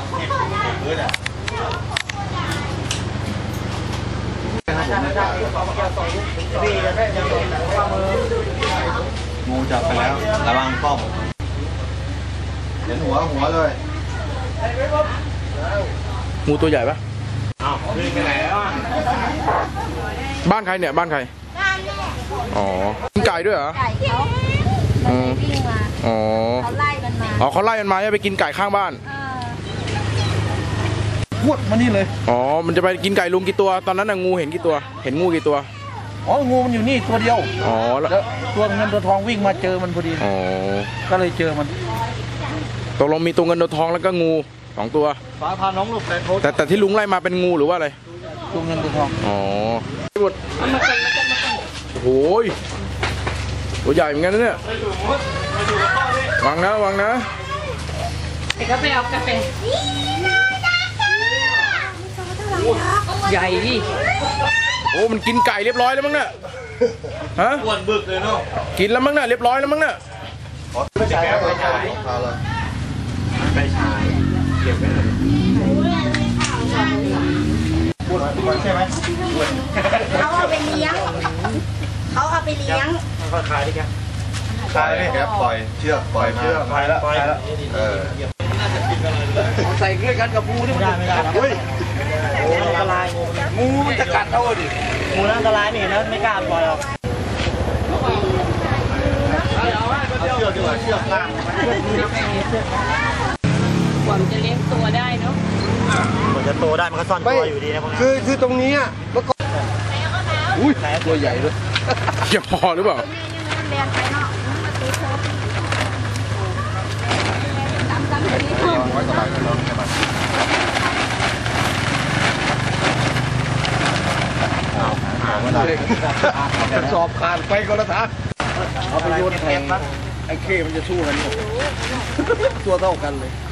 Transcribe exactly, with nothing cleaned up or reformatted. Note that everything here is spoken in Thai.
พื้นอ่ะงูจับไปแล้วระวังกล้องเห็นหัวหัวเลยงูตัวใหญ่ปะอ้าวขึ้นไปไหนแล้วบ้านใครเนี่ยบ้านใครบ้านแม่อ๋อกินไก่ด้วยเหรอไก่เขามันวิ่งมาอ๋อเขาไล่มันมาอ๋อเขาไล่มันมาจะไปกินไก่ข้างบ้านพวดมานี่เลยอ๋อมันจะไปกินไก่ลุงกี่ตัวตอนนั้นน่ะงูเห็นกี่ตัวเห็นงูกี่ตัวอ๋องูมันอยู่นี่ตัวเดียวอ๋อแล้วตัวเงินตัวทองวิ่งมาเจอมันพอดีอ๋อก็เลยเจอมันตกลงมีตัวเงินตัวทองแล้วก็งูสองตัวฟ้าพาน้องลูกแต่แต่ที่ลุงไล่มาเป็นงูหรือว่าอะไรตัวเงินตัวทองอ๋อหมดโอ้ยตัวใหญ่เหมือนกันนะเนี่ยวางนะวางนะกาแฟเอากาแฟใหญ่ดิโอ้มันกินไก่เรียบร้อยแล้วมั้งเนี่ยฮะอ้วนบึกเลยเนาะกินแล้วมั้งเนี่ยเรียบร้อยแล้วมั้งเนี่ยไปฉายไปฉายไปฉายเก็บไว้เลยพูดใช่ไหมเขาเอาไปเลี้ยงเขาเอาไปเลี้ยงเขาขายดิแกขายดิแกปล่อยเชือกปล่อยเชือกปล่อยแล้วปล่อยแล้วเออใส่เกลือกันกับงูที่มันไม่ได้ไม่ได้งูอันตรายงูมันจะกัดเอาดิงูอันตรายนี่นะไม่กล้าปล่อยหรอกเชือกดีกว่าเชือกล่างกว่าจะเลี้ยงตัวได้เนาะกว่าจะโตได้มันก็ซ่อนตัวอยู่ดีนะพวกนี้คือคือตรงนี้อ่ะเมื่อก่อนอุ้ยตัวใหญ่ด้วยเกี่ยวพอหรือเปล่ากระสอบขาดไปก็แล้วนะเอาไปโยนแทงไอ้เคมันจะสู้กันตัวเท่ากันเลย